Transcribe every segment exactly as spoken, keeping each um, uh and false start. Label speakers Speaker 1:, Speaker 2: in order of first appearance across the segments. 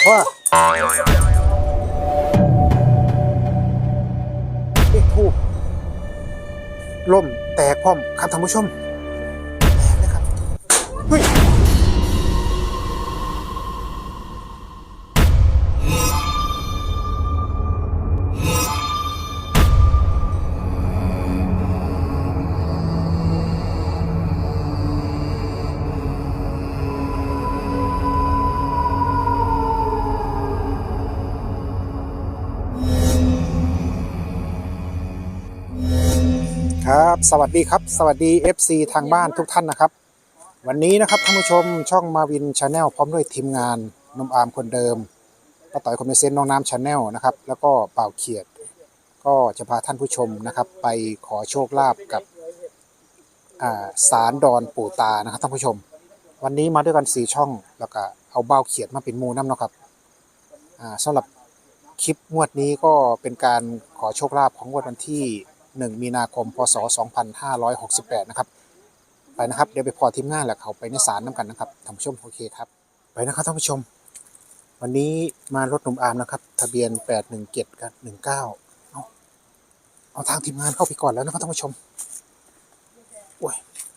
Speaker 1: ว่าเลขทูบล่มแตกพร้อมครับท่านผู้ชมแตกเลยครับเฮ้ยครับสวัสดีครับสวัสดี เอฟ ซี ทางบ้านทุกท่านนะครับวันนี้นะครับท่านผู้ชมช่องมาวินชาแนลพร้อมด้วยทีมงานนมอาร์มคนเดิมป้าต่อยคอมเมเซนต์น้องน้ำชาแนลนะครับแล้วก็เป่าเขียดก็จะพาท่านผู้ชมนะครับไปขอโชคลาภกับศาลดอนปู่ตานะครับท่านผู้ชมวันนี้มาด้วยกันสี่ช่องแล้วก็เอาเบ้าเขียดมาเป็นหมู่น้ำเนาะครับสำหรับคลิปงวดนี้ก็เป็นการขอโชคลาภของงวดวันที่หนึ่งมีนาคมพศสองพันห้าร้อยหกสิบแปดนะครับไปนะครับเดี๋ยวไปพอทีมงานแล้วเขาไปในศาลน้ำกันนะครับท่านผู้ชมโอเคครับไปนะครับท่านผู้ชมวันนี้มารถหนุ่มอาร์มนะครับทะเบียนแปดหนึ่งเจ็ดกับหนึ่งเก้าเอาเอาทางทีมงานเข้าไปก่อนแล้วนะครับท่านผู้ชมโอ้ย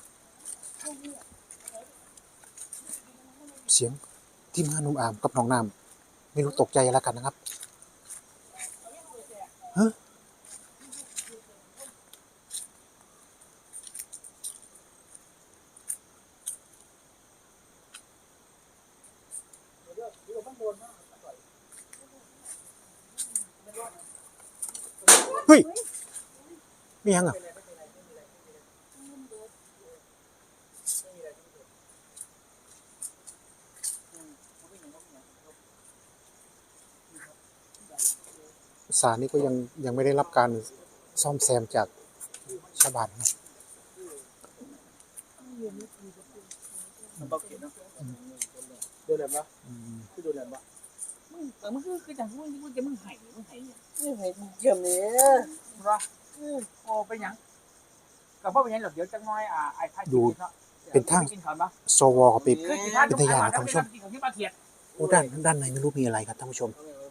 Speaker 1: เสียงทีมงานหนุ่มอาร์มกับน้องน้ำไม่รู้ตกใจอะไรกันนะครับฮะเฮ้ยไม่ยังอ่ะศาลนี้ก็ยังยังไม่ได้รับการซ่อมแซมจากชาวบ้านนะ
Speaker 2: มันต้องเขียนเนาะโดนแหลมปะคือโดนแหลมปะมึงแต่มึงคือคือจังมึงมึงจะมึงไห้มึงไห้เนี่ยมึงไห้เยี่ยมเลยรอโอ้ไปยังกับพ่อไปยังหรอกเดี๋ยวจังน้อยอ่าไอ้ท่าดู
Speaker 1: เป็นทางโซวอเป็นเป็นทยานท่านผู้ชมโอ้ด้านด้านในไม่รู้มีอะไรครับท่านผู้ชม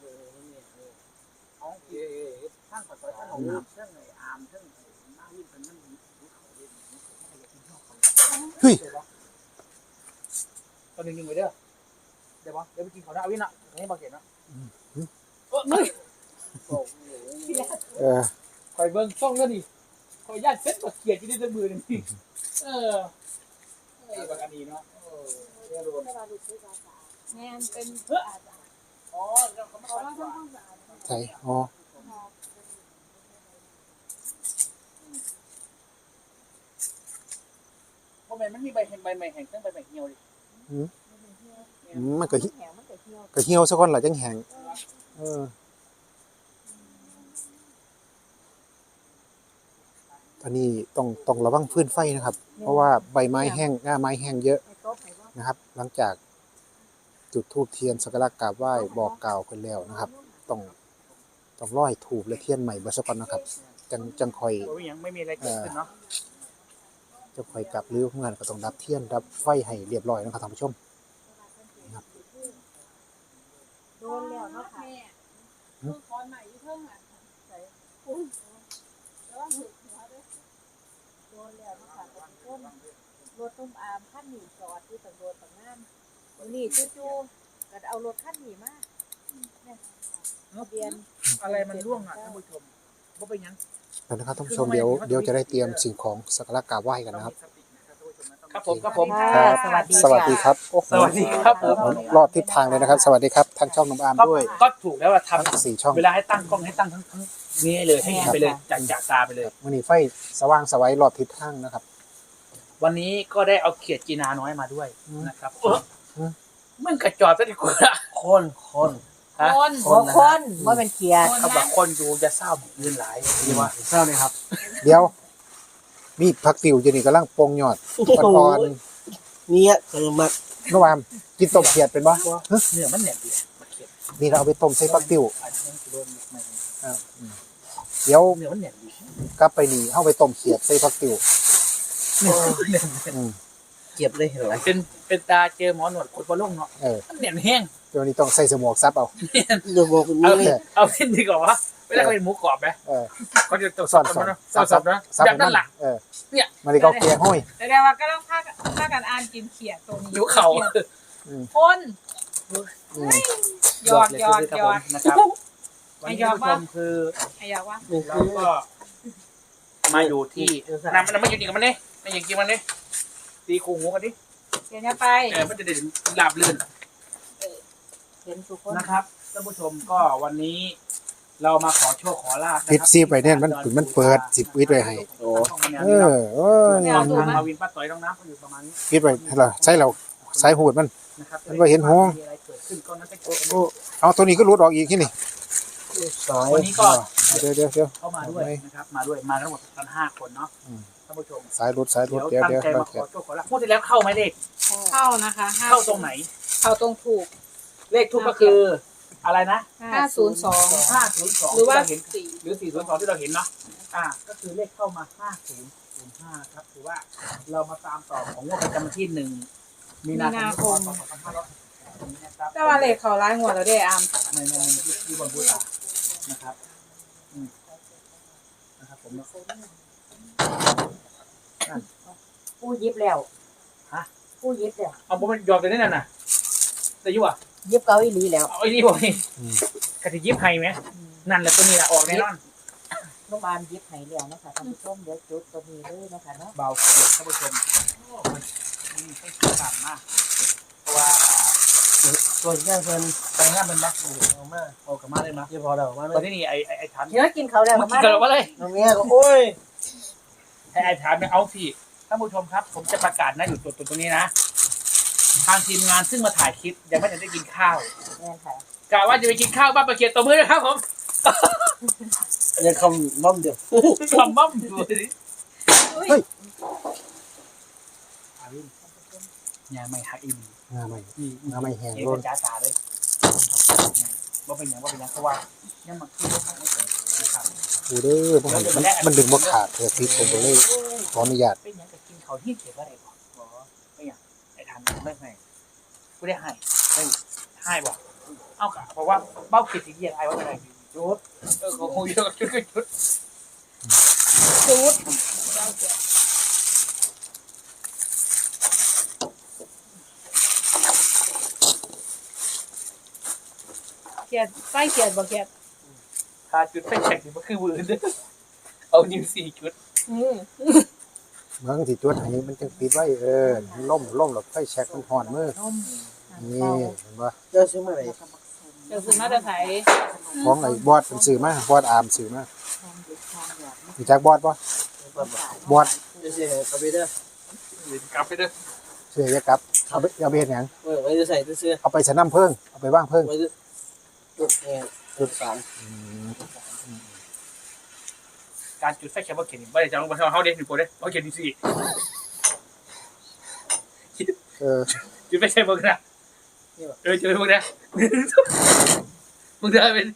Speaker 1: เฮ้ย
Speaker 2: ตอนนึงยังไงเด้อเดี๋ยวปะเดี๋ยวไปกินข้าวหน้าวินอ่ะนี่มาเขียนนะ
Speaker 1: เออ
Speaker 2: คอยเบิ้งช่องแล้วนี่คอยญาติเซ็ตมาเขียนที่ได้ด้วยมือนี่เออไอ้บางอันนี้เนาะเรียนรู้
Speaker 3: งานเป็นเพื่อ
Speaker 2: อ๋อเราเขาไม่ทำความสะอาด
Speaker 1: ใช่อ๋อ
Speaker 2: เพราะมันไม่มีใบเห็นใบใหม่แห้งตั้งใบใหม่เหี่ยวดิ
Speaker 1: มันก็ก็เหี่ยวสักคนหล่ะจังแห้งเอออันนี้ต้องต้องระวังฟืนไฟนะครับเพราะว่าใบไม้แห้งหน้าไม้แห้งเยอะนะครับหลังจากจุดธูปเทียนสักการะกราบไหว้บอกกล่าวกันแล้วนะครับต้องต้องร้อยธูปและเทียนใหม่เบอร์สักคนนะครับจังจังคอย
Speaker 2: ไม่มีอะไรเกิดขึ้นเนาะ
Speaker 1: จะคอยกลับหรือเมื่อก็ต้องดับเทียนดับไฟให้เรียบร้อยนะครับท่านผู้ชมครับ
Speaker 3: โดนแล้วเนาะค่ะคือคอนใหม่ที่เพิ่งอ่ะใส่อุ้ยแล้วว่าถึงหัวด้วยโดนแล้วเนาะค่ะต้นรถตุ้มอามขั้นหนีจอดที่ตำรวจต่างงานนี่จู่ๆก็เอารถขั้นหนีมาเนี่ยเบียน
Speaker 2: อะไรมันร่วงอ่ะท่านผู้ชมว่าเป็นยัง
Speaker 1: นะครับท่านผู้ชมเดี๋ยวเดี๋ยวจะได้เตรียมสิ่งของสักการะกราบไหว้กันนะครับ
Speaker 2: ครับผมครับผม
Speaker 1: สวัสดีสวัสดีครับ
Speaker 2: สวัสดีครับผม
Speaker 1: รอดทิศทางเลยนะครับสวัสดีครับทางช่องน้องอาร์มด้วย
Speaker 2: ก็ถูกแล้วว่าทำ
Speaker 1: สี่ช่อง
Speaker 2: เวลาให้ตั้งกล้องให้ตั้งทั้งทั้งนี้เลยให้เห็นไปเลยจากจากตาไปเลย
Speaker 1: วันนี้ไฟสว่างสวัยรอดทิศทางนะครับ
Speaker 2: วันนี้ก็ได้เอาเขียดจีนาน้อยมาด้วยนะครับมันกระจอดซะดีกว่าคนคน
Speaker 3: คนคนว่าเป็นเขียด
Speaker 2: เขาบอกคนดูจะเศร้าเงินหลายดีว่า
Speaker 1: เศร้าเลยครับเดี๋ยวมีผักติ๋วจะนี่กำลังปงยอดอ่อน
Speaker 4: ๆเนี่ยเออมา
Speaker 1: น้องอามกินต้มเขียดเป็นบ่
Speaker 2: เนื้อมันแหนมดี
Speaker 1: นี่เราเอาไปต้มใส่ผักติ๋วเดี๋ยว
Speaker 2: เนื้อมันแหนมดี
Speaker 1: กลับไปนี่เข้าไปต้มเขียดใส่ผักติ๋ว
Speaker 4: เก็บเลยเห็นไหม
Speaker 2: เป็นเป็นตาเจอหมอหนวดคนบอลลงเนาะมันแหนมแห้ง
Speaker 1: เตัวนี้ต้องใส่สมวกซับเอา
Speaker 4: เดี๋ยวบอกคุณ
Speaker 2: เอา
Speaker 4: แม่
Speaker 2: เอาเป็นดีกว่าว่าเวลาเขาเป็นหมูกรอบไหม
Speaker 1: เออ
Speaker 2: เขาจะต้อง
Speaker 1: ซ่อน
Speaker 2: กัน
Speaker 1: ซ่อน
Speaker 2: นะซ่อนๆนะ
Speaker 1: ซับ
Speaker 2: แบบนั้นหลัก
Speaker 1: เออ
Speaker 2: เนี่ย
Speaker 1: มันนี่ก็เกลียห้อย
Speaker 3: แสดงว่าก็ต้องพากันพากันอ่านกินเขียดตัวนี้
Speaker 2: หิวเข่า
Speaker 3: คน
Speaker 1: อืม
Speaker 3: หยอดหยอดหยอด
Speaker 2: นะครับวันนี้ท่านผู้ชมคือ
Speaker 3: ไอ้อยากว่า
Speaker 4: หนึ่ง
Speaker 2: เรา
Speaker 4: คือ
Speaker 2: ก็มาอยู่ที่น้ำมันไม่อยู่นี่กับมันนี่ไม่อย่างกินมันนี่ตีคูหูกันดิ
Speaker 3: เดี๋ยวจะไป
Speaker 2: เออมันจะได้หลับลื่น
Speaker 3: เห็นทุกคน
Speaker 2: นะครับท่านผู้ชมก็วันนี้เรามาขอโชคขอลาบ
Speaker 1: ปิดซีไปเนี่ยมันมันเปิดสิบวิไว้ให้
Speaker 2: โอ้
Speaker 1: เออเออ
Speaker 2: ทางมาวินป้าต่อยน้องน้ำเขาอยู่ประมาณนี้
Speaker 1: ปิดไว้ให้เราใช้เราสายหูดมัน
Speaker 2: นะครับ
Speaker 1: มันบ่เห็นห้อง
Speaker 2: มีอะไรเกิดขึ้นก็น่าจะ
Speaker 1: โอ้โอ้เอาตัวนี้ก็รุดออกอีกที่นี่
Speaker 4: สาย
Speaker 2: วันนี้ก็
Speaker 1: เดี๋ยวเดี๋ยวเดี๋ยว
Speaker 2: เข้ามาด้วยนะครับมาด้วยมาทั้งหมดกันห้าคนเนาะ
Speaker 1: อืม
Speaker 2: ท่านผู้ชม
Speaker 1: สายรุดสายรุด
Speaker 2: เดี๋ยว
Speaker 1: เดี๋ยว
Speaker 2: ตั้ง
Speaker 1: เดี๋ยว
Speaker 2: ใจ
Speaker 1: เรา
Speaker 2: มาขอโชคขอลาบพูดที่แล้วเข้าไหมเลข
Speaker 3: เข้านะคะห้
Speaker 2: เข้าตรงไหน
Speaker 3: เข้าตรงถูก
Speaker 2: เลขทุกก็คืออะไรนะ
Speaker 3: ห้าศูนย์สอง
Speaker 2: ห้าศูนย์สอง
Speaker 3: หรือว่า
Speaker 2: ที่เเห็น
Speaker 3: สี่
Speaker 2: หรือสี่ศูนย์สองที่เราเห็นเนาะอ่าก็คือเลขเข้ามาห้าศูนย์ศูนย์ห้าครับถือว่าเรามาตามต่อของงวดประจำวันที่หนึ่งมีนาคมสองพันห้าร้อยนะครับ
Speaker 3: แต่ว่าเลขเขาร้ายหัวเราได้อาม
Speaker 2: ในในในที่บนบูตานะครับอืมนะครับผมเนาะ
Speaker 5: ผู้ยิบแล้ว
Speaker 2: ฮะ
Speaker 5: ผู้ยิบแล้ว
Speaker 2: เอาผมมันยอมไปนี่น่ะนะแต่ยุ่อ่ะ
Speaker 5: ยิบเกาอีหลีแล้ว
Speaker 2: เอาไอ้นี่บอกนี่กะทิยิบไฮไหมนั่นแหละตัวนี้แหละออกแน่นอน
Speaker 5: โรงพยาบาลยิบให้แล้วนะคะท่านผู้ชมเดี๋ยวจุดตัวนี้เลยนะคะเนาะ
Speaker 2: เบาเสียท่านผู้ชมโอ้มันมันให้เสียงต่ำมากเพราะว่า
Speaker 4: ตัวแค่เพิ่น
Speaker 2: ไปงานมันรักโอ้
Speaker 4: เอามา
Speaker 2: โอ้กลับมาเลยมั้ย
Speaker 4: เดี๋ยวพอเรามา
Speaker 2: ตอน
Speaker 4: เลย
Speaker 2: นี้นี่ไอ้ไอ้ไอ้ฐาน
Speaker 5: เดี๋ยวกินเขาวแล้ว
Speaker 2: เมื่อกี้
Speaker 5: มา
Speaker 2: เกิดอะไรเลย
Speaker 4: น้องแม่ก็โอ้ย
Speaker 2: ไอ้ไอ้ฐานเนี่ยเอาสิท่านผู้ชมครับ ผมจะประกาศนะอยู่ตัวตรงนี้นะทางทีมงานซึ่งมาถ่ายคลิปยังไม่ทันได้กินข้าว
Speaker 5: แม่นค่ะ
Speaker 2: กะว่าจะไปกินข้าวบ้านประเคียนตัวมือนะครับผม
Speaker 4: เนี่ยคำน้อมเดียว
Speaker 2: ลำมั่มดูสิยาไม่ฮักอี
Speaker 1: งาไม่
Speaker 2: นี่
Speaker 1: งาไม่แห้ง
Speaker 2: เห็น
Speaker 1: โล
Speaker 2: เป็น นจ้าตาเลยว่าเป็นอย่างว่าเป็นอย่างเพราะว่ายังมันคือนะครับ
Speaker 1: ดูเด้อมันมันมันดึงบ่ขาดเธอพิษผมก็เลยขออนุญาต
Speaker 2: เป็นอย่างกับกินเขาที่เขียนว่าอะไรบอกบอกไม่อย่างไอ้ทันไม่ให้กูได้ให้ไม่ให้บอกเอากะเพราะว่าเบ้าขีดสีเยียไอ้ว่าอะไรจุดเออของเยอะจุดจุด
Speaker 3: จูดเขียดไส้เขียดบ่เขียด
Speaker 2: ทาจุดไฟแฉกมันคือวืนเอานิ้วสี่จุด
Speaker 3: อืม
Speaker 1: เมืองที่จวดให้มันจังติดไว้เออล่มล่มหลบไฟแช็กมันห่อนมือนี่เห็นบ่
Speaker 4: เจ้าซื้อมาไหน
Speaker 3: เดี๋ยวคุณมาจะไถ
Speaker 1: ของไอ้บอดมันซื้อมาบอดอามซื้อมามีจักบอดบ่บอด
Speaker 4: เดี๋ยวสิให้เขาไปเด้อก
Speaker 2: ลับไปเด้อ
Speaker 1: ซื้อจะกลับเอาไปเอาไปเฮ็ดหยัง
Speaker 4: เออไว้จะใส่ซื้อ
Speaker 1: เอาไปสนามเพิ่งเอาไปว่างเพิ่ง
Speaker 4: ไว้จะจุดแง่จุดสาม
Speaker 2: การจุดไฟแฉกว่าเขียนไม่ได้จะลงมาเขาเด็กหนึ่งคนเด้เขาเขียนสี่
Speaker 1: เออ
Speaker 2: จุดไฟแฉกมึงนะเออจุดมึงนะมึงได้เป็น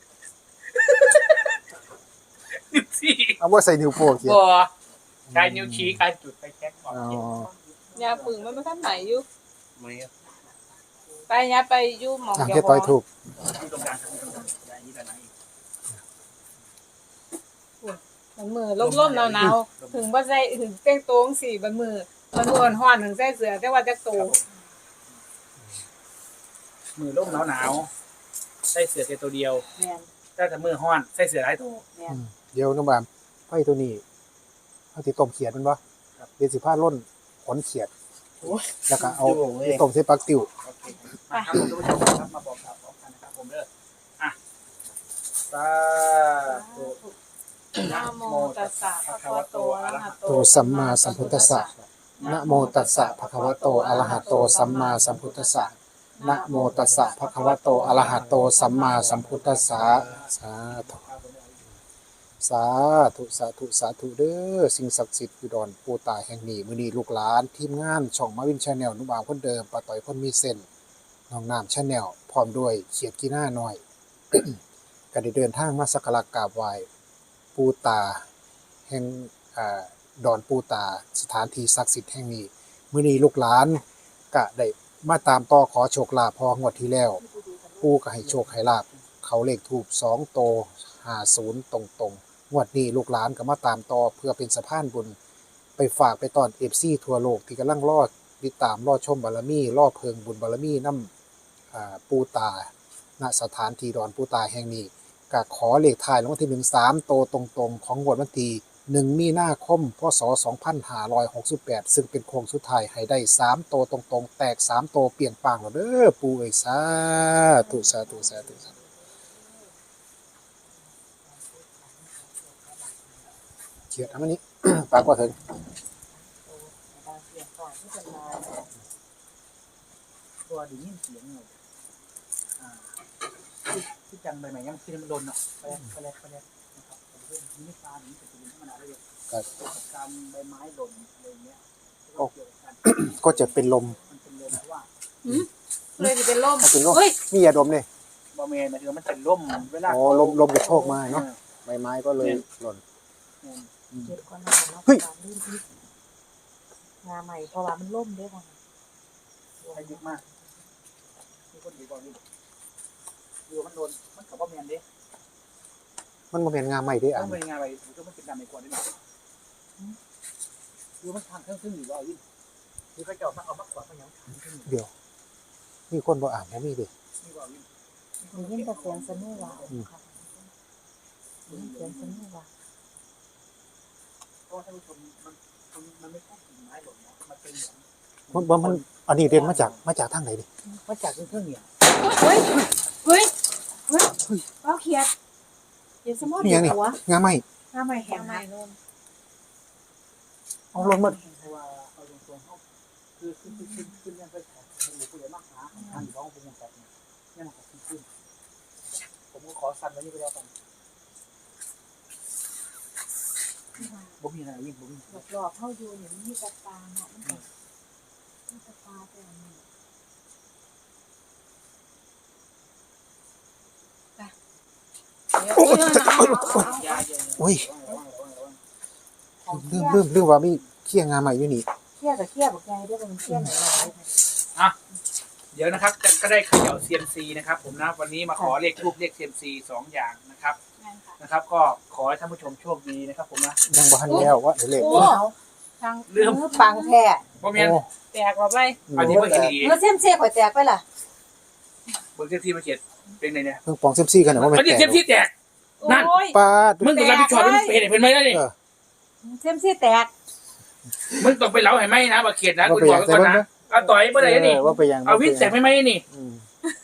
Speaker 2: นิ้วสี่
Speaker 1: เอาว่าใส่นิ้วโป้งเขียน
Speaker 2: บัวการนิ้วชี้การจุดไฟแฉกก่อน
Speaker 1: อ๋อ
Speaker 2: เขียน
Speaker 3: ยาปึงมันไม่ทันไหนอยู่
Speaker 4: ไม่
Speaker 3: ไปยาไปอยู่หมอง
Speaker 1: อ่ะ
Speaker 3: เดี
Speaker 1: แค่
Speaker 3: ยว
Speaker 1: ต่อยถูก
Speaker 2: อยู่ตรงกลางอยู่ตรงกลางอย่างนี้ด้านไหน
Speaker 3: มันมือล่มๆหนาวๆถึงว่าใส่ถึงเต้งโต้งสี่บันมือมันมือห่อนถึงใส่เสือแต่ว่าจะโต
Speaker 2: มือร่มหนาวหนาวใส่เสื้อแค่ตัวเดียว
Speaker 5: แม่น
Speaker 2: ถ้าแต่มือห้อนใส่เสื้อหลายตัว
Speaker 5: แม่น
Speaker 1: เดี๋ยวน้องบามไฟตัวนี้เอาที่ต้มเขียดมันบ่เดี๋ยวสิพาล่นขนเขียดแล้วก็เอาไปต้มใส่ปักติ๋ว
Speaker 2: โอเคมาครับผมท่านผู้ชมครับมาบอกกล่าวพร้อมกันนะครับผมเด้ออ่ะสาธุ
Speaker 3: นะโมตัสสะภะคะวะโตอะระหะโต
Speaker 1: โตสัมมาสัมพุทธัสสะนะโมตัสสะภะคะวะโตอะระหะโตสัมมาสัมพุทธัสสะนะโมตัสสะภะคะวะโตอะระหะโตสัมมาสัมพุทธัสสะสาธุสาธุสาธุสาธุเด้อสิ่งศักดิ์สิทธิ์อุดรปูตาแห่งนี้มื้อนี้ลูกหลานทีมงานช่องมาวินชาแนลนุบาวคนเดิมป้าต่อยคนมีเส้นน้องน้ำชาแนลพร้อมด้วยเขียดกีหน้าน้อย ก็ได้เดินทางมาสักการะกราบไหว้ปูตาแห่งอ่าดอนปูตาสถานที่ศักดิ์สิทธิ์แห่งนี้มื้อนี้ลูกหลานก็ได้มาตามต่อขอโชคลาภพองวดที่แล้วปูก็ให้โชคให้ลาบเขาเลขถูกสองโตห้าศูนย์ตรงๆงวดนี้ลูกหลานก็มาตามต่อเพื่อเป็นสะพานบุญไปฝากไปตอน เอฟ ซี ทั่วโลกที่กำลังรอติดตามรอชมบารมีรอเพิงบุญบารมีนำอ่าปูตาณสถานที่ดอนปูตาแห่งนี้ก็ขอเลขท้ายรางวัลที่หนึ่ง สามโตตรงๆของงวดวันที่หนึ่งมีนาคมพศสองพันห้าร้อยหกสิบแปดซึ่งเป็นโค้งสุดท้ายให้ได้สามโตตรงๆแตกสามโตเปลี่ยนปางแล้วเด้อปู่เอ้ยสาธุสาธุสาธุสาธุเขียดทำอันนี้ ปากว่าถึง
Speaker 5: บางเสียงก่อนที่จะมา
Speaker 2: ตัวดียินเสียงเลยอ่าที่ที่จังใบใหม่ยังที่มันโดนเนาะไปแล้วไปแล้วไปแล้วนะครับผมเรื่องนี้ไม่ฟ้านี้แต่จะเป็นธรรมดาเลย
Speaker 1: ครับ
Speaker 2: กับการใบไม้หล่นอะไรเงี้ย
Speaker 1: โอ้
Speaker 2: เกี่ยวกับการ
Speaker 1: ก็จะเป็นลม
Speaker 2: มันเป็นลมเพราะว่า
Speaker 3: เลยจะเป็นลม
Speaker 1: ถ้าเป็นลม
Speaker 3: เฮ้ย
Speaker 1: มียาดมเลย
Speaker 2: บอเมนหมายถึงว่ามันเป็นร่มเวลา
Speaker 1: อ๋อลมลมกระโชกมาเนาะใบไม้ก็เลยหล่น
Speaker 5: เจ็บก่อนนะคะเนาะการลื่นที่งาใหม่เพราะว่ามันล่มด้วยค่ะ
Speaker 2: ใช้เยอะมากมีคนดีกว่านี้ดูมันโดนมันกับบอเมนเด้
Speaker 1: มันบ่แม่นงาใหม่เด้อ
Speaker 2: ต้
Speaker 1: อ่ะ
Speaker 2: องเป็นงานอะไรมันก็มันเป็นดำในกว่าได้หน่อยดูมันทางเครื่องซึ่งอยู่ว่ายิ่งคือเขาจะเอามาเอามากกว่าเขายังทางซึ่งอยู่
Speaker 1: เดี๋ยวมีคนบ่อ่านบ่มีเด้
Speaker 2: นี่ว่ายิ่ง
Speaker 5: มียิ่งแต่เสียงสนุกว่ะค่ะยิ่งเสียงสนุกว่ะ
Speaker 2: เพราะท่านผู้ชมมันมันมันไม่ใช่กิ่งไม้หล่นนะมันเป็นเหมือน
Speaker 1: มันบ่มันอันนี้เด่นมาจากมาจากทางไหนดิ
Speaker 2: มาจากเครื่องเหนียว
Speaker 3: เฮ้ยเฮ้ยเฮ้ยเอาเขียดเดี๋ยวสมมติ
Speaker 1: นี่หยังนี่
Speaker 3: หัว
Speaker 1: งาใหม่
Speaker 3: หน้าใหม่แห้งใหม่นู่น
Speaker 1: เอาหล่นมา
Speaker 2: เพราะว่าเอาตรงๆเขาคือขึ้นขึ้นขึ้นขึ้นยังไปแข่งเป็นหมูผู้ใหญ่มากหาทางร้องเป็นยังไงเนี่ยมันก็ขึ้นขึ้นผมก็ขอสั่นไว้นี่ไปแล้วกันบ่มีอะไรยิ่งบ่มี
Speaker 5: รอบๆเข้าอยู่เนี่ยมันมีตะปาเนาะมันแบบมีตะปาแต่อันนี้
Speaker 3: เดี๋ยวเดี๋ยวเอาเอาเอา
Speaker 2: ยาเย็น
Speaker 1: โอ้ย
Speaker 2: ระวังระวังระวัง
Speaker 5: ของ
Speaker 1: ลื
Speaker 5: เที่
Speaker 1: ม
Speaker 5: ย
Speaker 1: ลืมลืมว่ามีเขี้ยงงาใหม่อยู่นี่
Speaker 5: เที่ยกับเที่ยบอกไงด้วยมันเที่ยไหนมา
Speaker 2: เดี๋ยวนะครับจะก็ได้เขย่า ซี เอ็ม ซี นะครับผมนะวันนี้มาขอเลขทูบเลข ซี เอ็ม ซี สองอย่างนะครับ
Speaker 3: นั่นค่ะ
Speaker 2: นะครับ ก็ขอให้ท่านผู้ชมโชคดีนะครับผมนะ
Speaker 1: ยังบ่ทันแล้วว่าเดี๋ยวเลข
Speaker 3: โอ้ทาง
Speaker 2: เรื่อง
Speaker 5: มือปังแท้
Speaker 2: บ่แม่น
Speaker 1: โอ้
Speaker 3: แตกว่าไป
Speaker 2: อันนี้เพิ่งเห็นดี
Speaker 5: เมื่อเส้นเสียข่อยแตกไปล่ะ
Speaker 2: เบิ่งเซฟซี่มาเขียนเป็นไงเนี่ย
Speaker 1: เพิ่งปองเซมซี่กันนะว่าแม่
Speaker 2: อันนี้
Speaker 1: แต
Speaker 2: เซ
Speaker 1: ก
Speaker 2: ฟซี่แตก นั่น
Speaker 3: โอ้ย
Speaker 1: ปาด
Speaker 2: มึงต้องรับผิดชอบมึงเห็นเห็นไหมได้ดิ
Speaker 1: เออ
Speaker 5: เส้นเสียแตก
Speaker 2: มึงต้องไปเล้าให้ไหมนะมาเขียนนะ
Speaker 1: ว่า
Speaker 2: คุณ
Speaker 1: ไป
Speaker 2: บ
Speaker 1: ยั
Speaker 2: อก
Speaker 1: ง
Speaker 2: ไว้ก่อน
Speaker 1: แต่
Speaker 2: นะเอาต่อยเมื่อไหร่นี่
Speaker 1: เออว่าไปยัง
Speaker 2: เอาวิ่งแตกไม่ไหมนี่
Speaker 1: อืม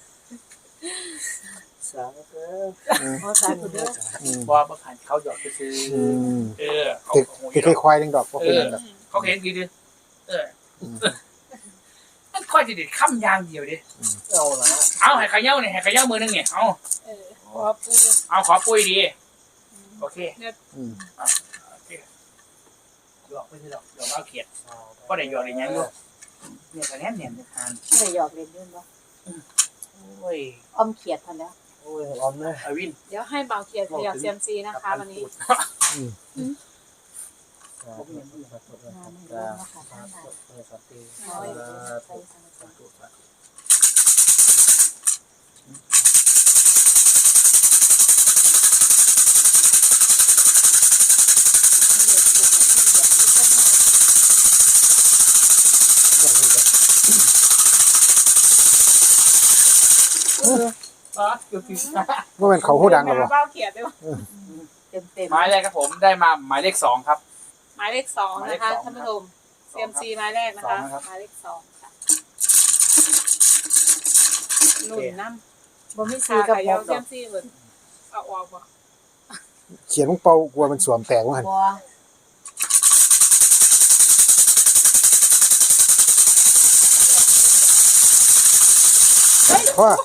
Speaker 4: สามเออ
Speaker 1: อืม
Speaker 5: ขอสาธุเด้อ
Speaker 1: อืม
Speaker 2: บอกมาผ่านเขาหยอกไปซื้อ
Speaker 1: อืม
Speaker 2: เออเขา
Speaker 1: ติด
Speaker 2: โอ้ย
Speaker 1: ติดควายๆนึงดอกว่าเป็นยังดอก
Speaker 2: เขาเห็นดีดิเออมันค่อยจะเด็ดข้ามยางเดียวดิ
Speaker 4: เอาละ
Speaker 2: เอาให้ขย่าเนี่ยให้ขย่ามือนึงเนี่ยเอา
Speaker 3: เออขอปู
Speaker 2: เอาขอปุ้ยดีโอเค
Speaker 1: อืม
Speaker 2: โอเคหยอกไม่ใช่หยอกหยอกเอาเขียดก็ได้หยอกได้ยังอยู่เนี่ยคะแนนเนี่ยจะทาน
Speaker 5: ไม่ได้หยอกเล่นด้วยเนาะ
Speaker 2: โอ้ย
Speaker 5: อ้อมเขียดทันแล้ว
Speaker 4: โอ้ยออมเลย
Speaker 2: อวิน
Speaker 3: เดี๋ยวให้เบาเขียดขยับเซียมซีนะคะวันนี้
Speaker 2: ผมยังไม่
Speaker 5: งานไม่รู้นะคะท่านใด
Speaker 4: สัตตี
Speaker 5: น้อยใส่สังสาร
Speaker 2: อ๋อคือคือ
Speaker 1: ว่าเป็นเขาหูดังหรอวะ
Speaker 3: เบาเขียดด้วย
Speaker 5: เต็มเต็ม
Speaker 2: หมายแรกครับผมได้มาหมายเลขสองครับ
Speaker 3: หมายเลขสองนะคะท่านผู้ชมเซียมซีหมายแรกนะคะ
Speaker 2: สองนะครับ
Speaker 3: หมายเลขสองค่ะหนุนน้ำ
Speaker 5: บ่มี
Speaker 3: สี
Speaker 5: สี
Speaker 3: กั
Speaker 5: กั
Speaker 3: บบ เยา
Speaker 5: หก
Speaker 3: เซียมซีเหมือนเอาออกบ่
Speaker 1: เขียนมึงเป่ากลัวมันสวมแตกว่าหัน
Speaker 5: บัว
Speaker 1: เพราะว่า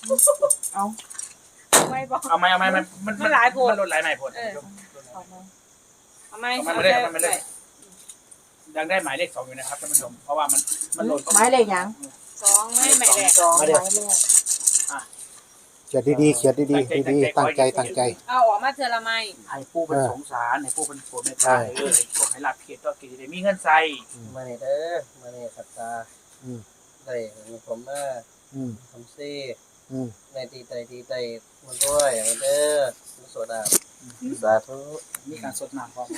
Speaker 3: ไม่บอก
Speaker 2: เอาไหมเอาไหมมันมัน
Speaker 3: มันหลายผล
Speaker 2: มันลดหลายไหนผล
Speaker 3: เออ
Speaker 5: เอามา
Speaker 3: เอาไหม
Speaker 2: เอามาเลยเอามาเลยยังได้หมายเลขสองอยู่นะครับท่านผู้ชมเพราะว่ามันมันลด
Speaker 5: ไม้เลยยัง
Speaker 3: สองไม่หมายแรก
Speaker 5: สองไม้แรก
Speaker 1: เขียนดีๆเขียนดีๆดีๆตั้งใจตั้งใจ
Speaker 3: เอาออกมาเทอละไม้
Speaker 2: ให้ผู้เป็นสงสารให้ผู้เป็นปวดเมตตาเออให้พวกให้หลับเขียดก็กินได้มีเงินใส่
Speaker 4: มาเนี่ยเด้อมาเนี่ยสัตตา
Speaker 1: อืม
Speaker 4: ได้ผมมา
Speaker 1: อืม
Speaker 4: ทำซี่
Speaker 1: ออืม
Speaker 4: ในตีไตตีไตมันด้วยมันเด้อมันสวดอ่ะสาธุ
Speaker 2: มีการสดน้ำพร้อม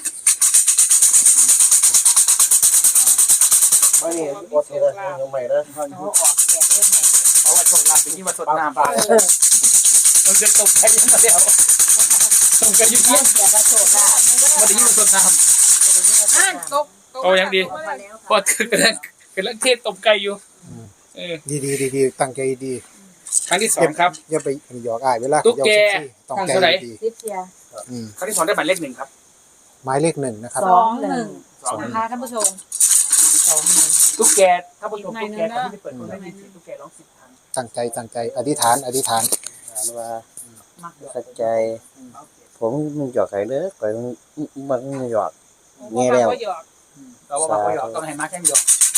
Speaker 4: ไม่นี่อดเลยยังใหม่เด้อ
Speaker 2: เขาอยู่
Speaker 5: เอาออกแกะเล่นหน่อย
Speaker 2: เพราะว่าโชคลาภเป็นที่มาสดน้ำไปมันจะตกใจยังไงแล้วตกกันอยู่ที่
Speaker 5: แกะกระโชกได้
Speaker 2: มันจะยิ่งมาสดน้
Speaker 3: อ่านตก
Speaker 2: ำโอ้ยังดีพอคือกำลังกำลังเทศตบไก่อยู่เออ
Speaker 1: ดีดีดีดีตั้งใจดี
Speaker 2: ครั้งที่สองครับ
Speaker 1: อย่าไปหยอกอ้ายเวลา
Speaker 2: ตุ๊กแก
Speaker 1: ต้อง
Speaker 2: ห้อง
Speaker 1: ใจ
Speaker 2: เท่าไหร่
Speaker 1: ดี
Speaker 5: ซิปเซีย
Speaker 1: อืม
Speaker 2: ครั้งที่สองได้หมายเลขหนึ่งครับ
Speaker 1: หมายเลขหนึ่งนะครับ
Speaker 5: สองหนึ่ง
Speaker 2: สอง
Speaker 3: นะคะท่านผู้ชม
Speaker 5: สองหนึ่ง
Speaker 2: ตุ๊กแกถ้าผู้ชมตุ๊กแกตอนที่ไปเปิดคนได้ยินเสียงตุ๊กแกร้องสิบครั้ง
Speaker 1: ตั้งใจตั้งใจอธิษฐานอธิษฐาน
Speaker 4: ถามว่าเข้าใจ ผมมันหยอกใครเด้อข่อยมันมันหยอก แง่แล้ว
Speaker 3: หยอก
Speaker 2: เราบอกว่าหยอกต้องให้มาแข่งหยอก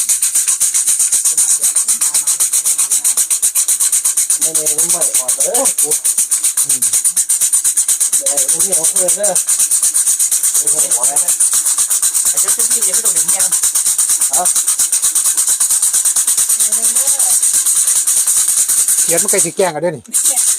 Speaker 4: ไม่ไม่ไม่ไม่ออกเด้อกู
Speaker 1: อืม
Speaker 4: เดี๋ยวกูเนี่ยเขาเพื่อนเด้อไม่ใช่หัวนะ
Speaker 2: ไอ้เจ้าซึ่งที่ยังไม่ต้องเห็นเงี้ย
Speaker 1: เขียนมันใกล้สิแกล้งกันเด้วยนี่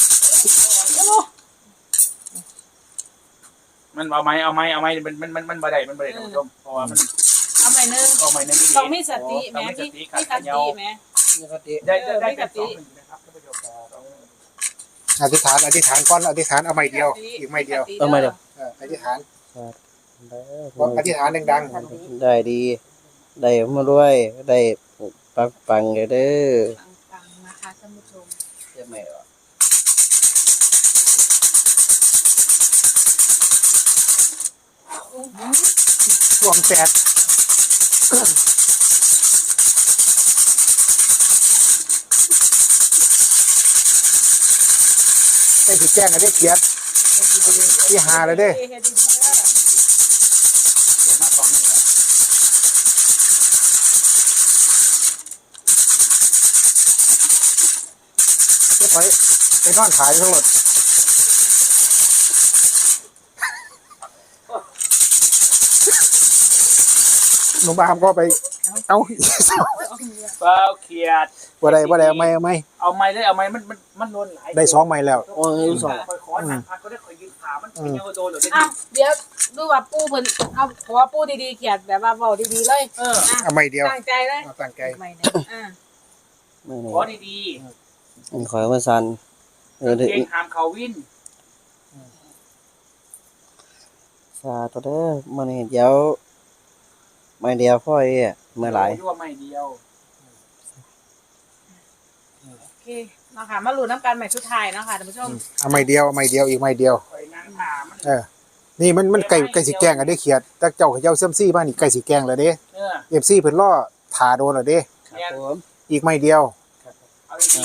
Speaker 2: มันเอาไม้เอาไม้เอาไม้มันมันมันมันบ่ได้มันบ่ได้ท่านผู้ชมเพราะว่ามัน
Speaker 3: เอาใหม่หนึง
Speaker 2: เอาไม้นั่นดี
Speaker 3: ต้องมีสติแม่พี่พี่สติแม่
Speaker 4: นี่ก็ติ
Speaker 2: ได้ได้ได้เป็นสองหนึ่งนะครับท่านผู้ชม
Speaker 1: อธิษฐานอธิษฐานก่อนอธิษฐานเอาไม่เดียวอีกไม่เดียว
Speaker 4: เอาไม่เดียว
Speaker 1: เอออธิษฐาน
Speaker 4: เด้
Speaker 1: บอกอ
Speaker 4: อ
Speaker 1: ธิษฐานดัง
Speaker 4: ได้ดี ได้มาด้วยได้ปังปังเลยเด้อ
Speaker 3: ฟังๆนะคะท่านผู้ชม
Speaker 4: เจ้าแม่ว่ะ
Speaker 1: ๆช่วงแตกใกล้สิแกล้งกันได้เขียนที่หาเลยเด้
Speaker 3: เฮ็ดดีๆเด้อ
Speaker 2: เดี๋ยวมาสองหนึ่งแล้ว
Speaker 1: เดี๋ยวไปไปนอนขายทั้งหมดหนุ่มอามก็ไป เอา
Speaker 2: เปล่าเขียด
Speaker 1: บ่ได้บ่ได้เอาไม่เอาไม่
Speaker 2: เอาไม้ได้เอาไม้มันมันมันโดนหลาย
Speaker 1: ได้สองไม่แล้ว
Speaker 4: โอ้ยสอง
Speaker 2: คอยขอหนักพักก็ได้คอยยืนขามันเป็นยังโดนหรือ
Speaker 3: อ้าวเดี๋ยวดูว่าปูเพิ่นเอาขอปูดีๆเขียนแบบว่าเว้าดีๆเลย
Speaker 2: เออ
Speaker 3: อ่ะ
Speaker 1: เอาไม่เดียว
Speaker 3: ตั้งใจเลย
Speaker 1: เอาตั้งใจ
Speaker 5: ไม่เนี่ย
Speaker 3: อ่า
Speaker 4: ไม่เนี่
Speaker 2: ขอดี
Speaker 4: ยขอให้มันสันเออ
Speaker 2: ๆ
Speaker 4: เด้อ
Speaker 2: เก่งหามเขาวิน
Speaker 4: สาธุเด้อมันนี่เดี๋ยวไม่เดียวพ่อเอ้เมื่อไหร่
Speaker 2: ยั่วไม่เดียว
Speaker 3: โอเคเนาะค่ะมาลุ้นน้ำกันใหม่สุดท้ายเนาะค่ะท่านผู้ชม
Speaker 1: เอาไม่เดียวเอาไม่เดียวอีกไม่เดียว
Speaker 2: คอยนั่งขามัน
Speaker 1: เออ นี่มันมันไก่ไก่สีแกงกันได้เขียดแต่เจ้าเขาเจ้าเสื่อมซี่บ้านนี่ไก่สีแกงเลยเด้
Speaker 2: เออ
Speaker 1: เอฟซีเพิ่นล่อถาโดนเลยเด้
Speaker 4: ครับผม
Speaker 1: อีกไม่เดียว
Speaker 2: เอาดี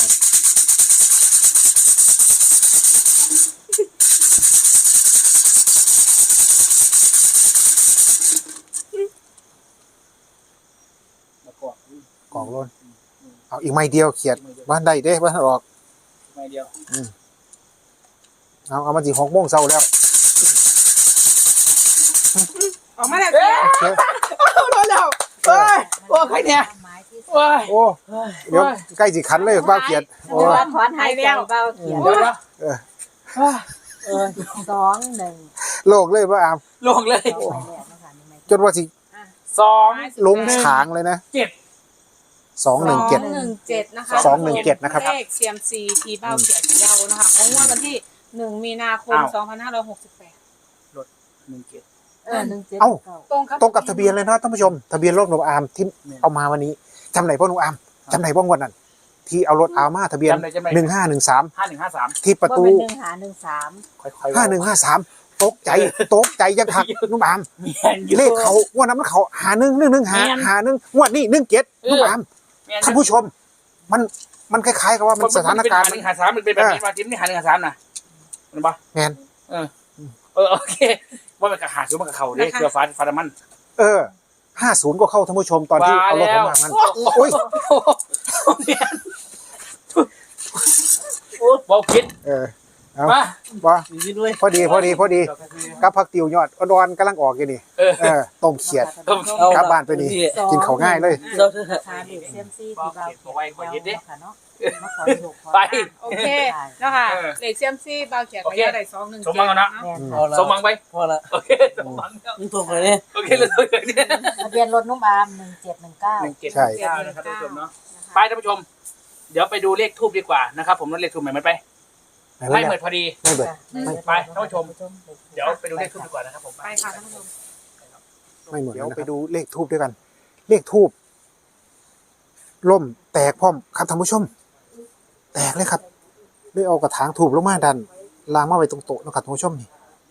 Speaker 2: ๆแล้วก็
Speaker 1: กองล้นเอาอีกไม่เดียวเขียดบ้านใดเด้บ้านออก
Speaker 2: ไม่เดียว
Speaker 1: เอาเอามาสิหกโมงเช้าแล้ว
Speaker 3: ออกมาแล้ว
Speaker 2: เอ๊ะ
Speaker 1: โอเค
Speaker 2: โดนแล้วเฮ้ยโอ้ใครเนี่ย
Speaker 5: ไม้ที่
Speaker 2: โอ้ย
Speaker 1: โอ้เดี๋ยวใกล้สิขันเลยบ้าวเขียดโอ้
Speaker 5: ถอนถอนหายใจเบาเขียน
Speaker 2: เดี๋ยวนะ
Speaker 5: เออสองหนึ่ง
Speaker 1: โลกเลยว่าอาม
Speaker 2: ลงเลย
Speaker 5: สองไม่แหลกนะคะนี่ไม่
Speaker 1: จนว่าสิ
Speaker 2: สอง
Speaker 1: ลงฉางเลยนะ
Speaker 2: เจ็ด
Speaker 1: สองหนึ่งเจ็ด
Speaker 3: สองหนึ่งเจ็ดนะคะ
Speaker 1: สองหนึ่งเจ็ดนะครับ
Speaker 3: เลขเซียมซีทีเบ้าเขียนเยานะคะของงวดวันที่หนึ่งมีนาคมสองพันห้าร้อยหกสิบแปด
Speaker 2: หนึ่งเจ็ด
Speaker 5: เออหนึ่งเจ็ด
Speaker 1: เอ้า
Speaker 5: เก้า
Speaker 3: ตรงกับ
Speaker 1: ตรงกับทะเบียนเลยนะท่านผู้ชม ทะเบียนรถหนุ่มอามที่เอามาวันนี้จำไหนพ่อหนุ่มอามจำไหนพ่องวดนั้นที่เอารถอามาทะเบียน
Speaker 2: จำได้จำได้
Speaker 1: หนึ่งห้าหนึ่งสาม
Speaker 2: ห้าหนึ่งห้าสาม
Speaker 1: ที่ประตู
Speaker 5: ว่าเป็นหนึ่งหาหนึ่งสาม
Speaker 2: ค่อยๆ
Speaker 1: ห้าหนึ่งห้าสามตกใจตกใจยังหักนุ่มอาม
Speaker 2: มีแอนอยู่
Speaker 1: เลขเขางวดนั้นมันเขาหาหนึ่งหนึ่งหนึ่งหา
Speaker 2: แม่น
Speaker 1: หาหนึ่งงวดนี้หนึ่งเจ็ด
Speaker 2: เออ
Speaker 1: นุ่มอาม
Speaker 2: มีแอน
Speaker 1: ท่านผู้ชม มันมันคล้ายๆกับว่ามันสถานการณ์
Speaker 2: หนึ่งหาสามมันเป็นแบบนี้มาทีมนี่หาหนึ่งหาสามนะเห็นปะ
Speaker 1: แมน
Speaker 2: เออเออโอเคว่ามันกระหาซื้อมันกระเข่าเด้เกลือฟ้าฟ้ามัน
Speaker 1: เออห้าศูนย์ก็เข้าท่านผู้ชมตอนที่เอารถผมมางั้น
Speaker 2: โอ้ยเบาคิด
Speaker 1: เออเอา
Speaker 2: มา
Speaker 1: บ่
Speaker 4: มีด้วย
Speaker 1: พอดีพอดีพอดีกับผักติวยอดอ่อนๆกำลังออกอยู่นี่เออต้มเขียด กลับบ้านไปนี่กินข้าวง่ายเลย
Speaker 4: เราเถอะ
Speaker 5: ราคาเด็กเซียมซี่ที่เราเก็บยาวค่ะเนาะมาขอโชคขอ
Speaker 2: ไป
Speaker 3: โอเคเนาะค่ะเลขเซียมซี่เบาเขียดก็ได้สองหนึ่ง
Speaker 2: สมหวังกันนะ
Speaker 5: แม่น
Speaker 4: พอ
Speaker 5: ค่ะ
Speaker 4: แล้ว
Speaker 2: สมหวังไป
Speaker 4: พอละ
Speaker 2: โอเคสมหวังแล้ว
Speaker 4: มึงตัวเลยเนี่ย
Speaker 2: โอเคเลยเลยเนี่ย
Speaker 5: ทะเบียนรถนุ่มอามหนึ่งเจ็ดหนึ่งเก้า
Speaker 2: หนึ่งเจ็ดหนึ่งเก้านะครับท่านผู้ชมเนาะไปท่านผู้ชม เดี๋ยวไปดูเลขทูบดีกว่านะครับผมเลขทูบใหม่มันไปไม่เหมือนพอดี
Speaker 1: ไม่เบิด
Speaker 2: ไปท่านผู้ชม เดี๋ยวไปดูเลขทูบดีกว่านะครับผม
Speaker 3: ไปค่ะท่านผู้ชม
Speaker 1: ไม่เหมือนเดี๋ยวไปดูเลขทูบด้วยกัน เลขทูบล่มแตกพร้อมครับท่านผู้ชม แตกเลยครับได้เอากระถางทูบลงมาดันล้างมาไว้ตรงโต๊ะนะครับท่านผู้ชมนี่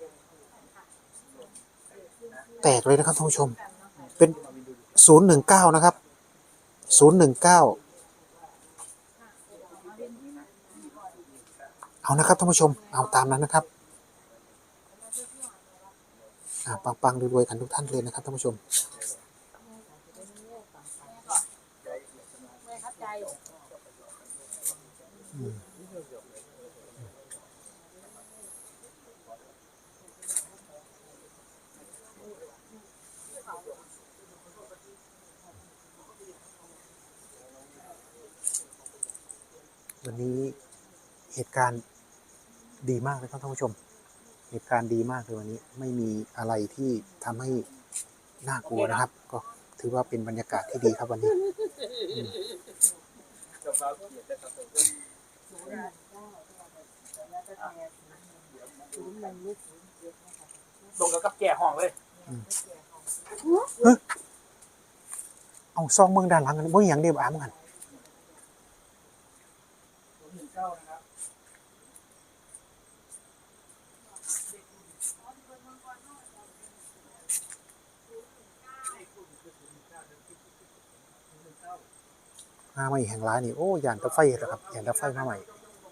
Speaker 1: แตกเลยนะครับท่านผู้ชม เป็นศูนย์หนึ่งเก้านะครับศูนย์หนึ่งเก้าเอานะครับท่านผู้ชมเอาตามนั้นนะครับอ่าปังๆรวยๆกันทุกท่านเลยนะครับท่านผู้ชมอืมวันนี้เหตุการณ์ดีมากเลยครับท่านผู้ชม เหตุการณ์ดีมากเลยวันนี้ไม่มีอะไรที่ทำให้น่ากลัวนะครับ ก็ถือว่าเป็นบรรยากาศที่ดีครับวันนี้อืม
Speaker 2: ลงกับกับแก่ห้องเลย
Speaker 1: เอาซองเมืองด้านหลังกันบ่มีหยังเดียวอ่านกันมาใหม่แห่งร้ายนี่โอ้ยานตะไฟเหรอครับยานตะไฟมาใหม่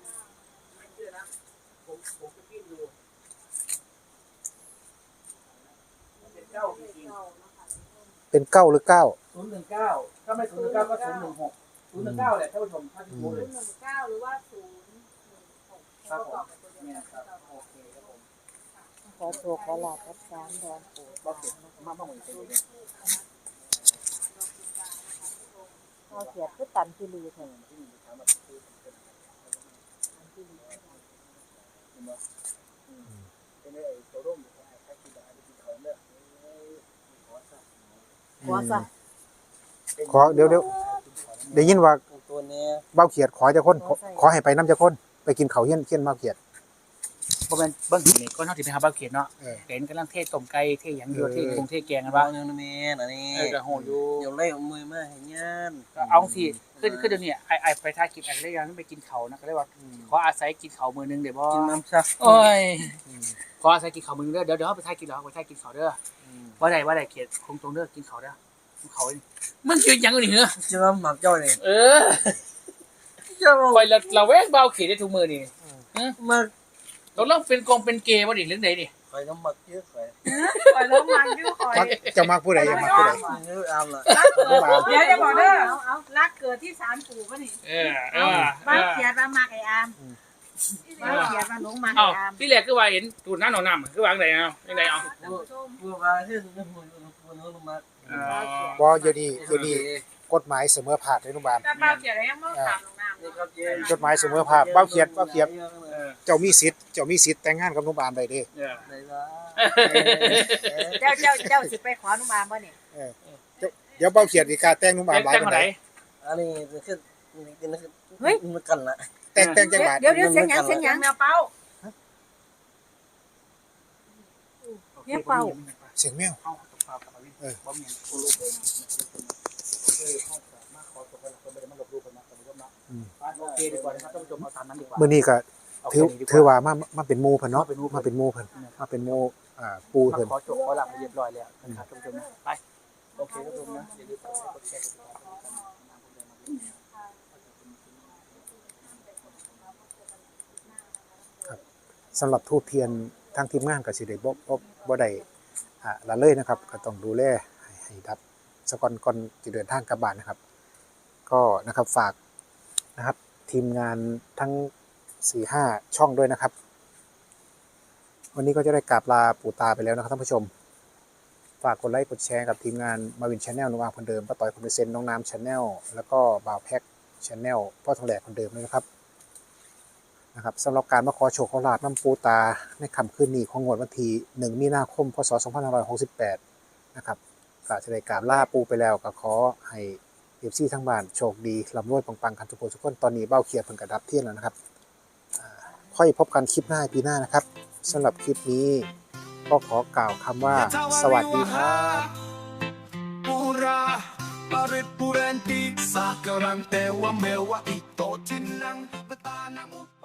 Speaker 1: เป็นเก้าหรือเก้า
Speaker 2: ศูนย์หนึ่งเก้าถ้าไม่ศูนย์หนึ่งเก้าก็ศูนย์หนึ่งหกศูนย์หนึ่งเก้าแหละท่านผู้ชมถ้าที่รู้เลย
Speaker 3: หนึ่งเก้าหรือว่าศูนย์หนึ่งหก
Speaker 2: ครับผมเนี่ยครับโอเคครับผม
Speaker 5: ขอโชคขอลาบกับสามดอนปู่
Speaker 2: บอกเสร็จมาบ้างเหมือนกันเลย
Speaker 5: พอเขียดคือตันที่ลือเถอะ ขอซะ
Speaker 1: ขอเดี๋ยวเดี๋ยวได้ยินว่า
Speaker 4: ตัวเนี้ย
Speaker 1: เบ้าเขียดขอจะคนขอขอให้ไปน้ำจะคนไปกินเขาวเฮี้ยนเฮี้ยนเบ้าเขียด
Speaker 2: บ่เป็นเบิ้งนี่ก็นอกจากเป็นฮาร์บาเขียนเนาะ
Speaker 1: เออ
Speaker 2: เห็นกำลังเทศต้มไก่เทศหยังอยู่
Speaker 1: เออ
Speaker 2: เทศกรุงเทศแกงกัน
Speaker 4: บ้า
Speaker 2: บ้าง
Speaker 4: ยังนี่นะนี่
Speaker 2: เออกระโหอยู่
Speaker 4: เดี๋ยวไล่เอามือมาให้งาน
Speaker 2: ก็เอาสิคือคือเดี๋ยวนี้ไอไอไปท่ากินไอก็เลยยังไปกินเขานะก็เลยว่าขออาศัยกินเขามือนึงเดี๋ยวบ่
Speaker 4: กินน้ำซัก
Speaker 2: โอ้ยขออาศัยกินเขามือนึงเด้อเดี๋ยวเดี๋ยวไปท่ากินเหรอไปท่ากินเขาเด้อว่าใดว่าใดเขียนคงตรงเด้อกินเขาเด้อกินเขานี่มึงกินยังอยู่นี่เหรอ
Speaker 4: จะมาหมักจ้อยเลย
Speaker 2: เออคอยเราเราแวกเบาเขียนได้ทุกมือนี่
Speaker 4: มา
Speaker 2: เราเริ่มเป็นกองเป็นเกย์วะดิเรื่องไหนดิ
Speaker 4: คอยน้ำหมักเยอะคอย
Speaker 3: คอยเริ่มมันอยู่คอย
Speaker 1: มักจะมักผู้ใดจะมักผู้ใด
Speaker 4: เยอะอามละ
Speaker 3: รักเกิดเดี๋ยวจะบอกเด้อเอาเอารักเกิดที่ศาลปู่ป่ะนี่
Speaker 2: เออเอ
Speaker 3: เอา
Speaker 2: อ
Speaker 3: บ้านเขียดมามากไอ้อามบ้านเขียดมาหลงมา
Speaker 2: เอ้า
Speaker 3: ไอ้อาม
Speaker 2: พี่แรกคือว่าเห็นตูดน้ำหนองน้ำคือวางไหนเอายังไงเอา
Speaker 4: บัวมาที่สุดบัวบัวน้องมา
Speaker 1: บ่อยู่ดีอยู่ดีกฎหมายเสมอภาคเลยนุ่มบาน
Speaker 3: แต่บ้านเขียดยังไม่ถามหลงน้ำ
Speaker 4: นี่ครับเจ๊
Speaker 1: กฎหมายเสมอภาคเบ้าเขียดเบ้าเขียดเจ้ามีสิทธิ์เจ้ามีสิทธิ์แต่งงานกับนุ่มบานได้เด้
Speaker 2: เออ
Speaker 4: ไหนล่ะ
Speaker 5: เจ้าเจ้าเจ้าสิไปขอนุ่มอามบ่นี่
Speaker 1: เออเจ้าเดี๋ยวเบ้าเขียดอีกาแต่งนุ่มบานหลาย
Speaker 2: แจ้ง
Speaker 1: ปาน
Speaker 2: มาไห
Speaker 1: ใด
Speaker 2: น
Speaker 4: อันนี้คือนี่คือมันกันละ
Speaker 1: แต่งแต่งจังหวัด
Speaker 5: เดี๋ยวเดี๋ยวเสียงหยังเสียงหยัง
Speaker 3: แมวเป้า
Speaker 5: เนี่ยเป่า
Speaker 1: เสียงแมว
Speaker 2: เอาตกปลากับวิน
Speaker 1: เออ
Speaker 2: บ่มีกูรู้เออเข้ามาขอตกไปแล้วคนไม่ได้มาหลบดูคนนะท่านผู้ชมเนาะโอเคดีกว่านะครับท่านผู้ชมเอาตามนั้นดีกว่า
Speaker 1: มื้อนี้ก็
Speaker 2: เอา
Speaker 1: ถือ
Speaker 2: แค่นี้ดีก
Speaker 1: ถือ
Speaker 2: ว่า
Speaker 1: ว่ามามาเป็นหมู่เพิ่นเนาะมาเป็นหมู่เพิ่นมาเป็นหมู่อ่าปู
Speaker 2: มา
Speaker 1: เพิ่น
Speaker 2: ขอจบขอหลับเรียบร้อยแล้วนะครับท่านผู้ชมนะไปโอเคท่านผู้ชมนะอย่าลืมกดไลค์กดแชร์กดติดตามกันนะครับ
Speaker 1: สำหรับทูบเทียนทางทีมงานก็สิได้บ่บ่บ่ได้อ่าละเลยนะครับ ก็ต้องดูแลให้ให้ดับสก่อนก่อนจะเดินทางกลับบ้านนะครับ ก็นะครับฝากนะครับทีมงานทั้ง สี่ห้า ช่องด้วยนะครับวันนี้ก็จะได้กราบลาปู่ตาไปแล้วนะครับท่านผู้ชมฝากกดไลค์กดแชร์กับทีมงานมาวินชาแนลนุ่มอาร์มคนเดิมป้าต่อยคนเซนน้องน้ำชาแนลแล้วก็บ่าวแพ็กชาแนลพ่อทองแหลกคนเดิมเลยนะครับนะครับสำหรับการมาขอโชคขอลาบน้ำปูตาในค่ำคืนนี้ของงวดวันที่หนึ่งมีนาคมพศสองพันห้าร้อยหกสิบแปดนะครับก็จะได้กราบลาปูไปแล้วก็ขอให้เอฟซีทั้งบ้านโชคดีร่ำรวยปังๆกันทุกคนทุกคนตอนนี้เบ้าเขียดเพิ่งกระดับเที่ยงแล้วนะครับค่อยพบกันคลิปหน้าปีหน้านะครับสำหรับคลิปนี้ก็ขอกล่าวคำว่าสวัสดีครับ
Speaker 6: Pura, parit purenti, sa karang tewa mewa ito tinang betana mo.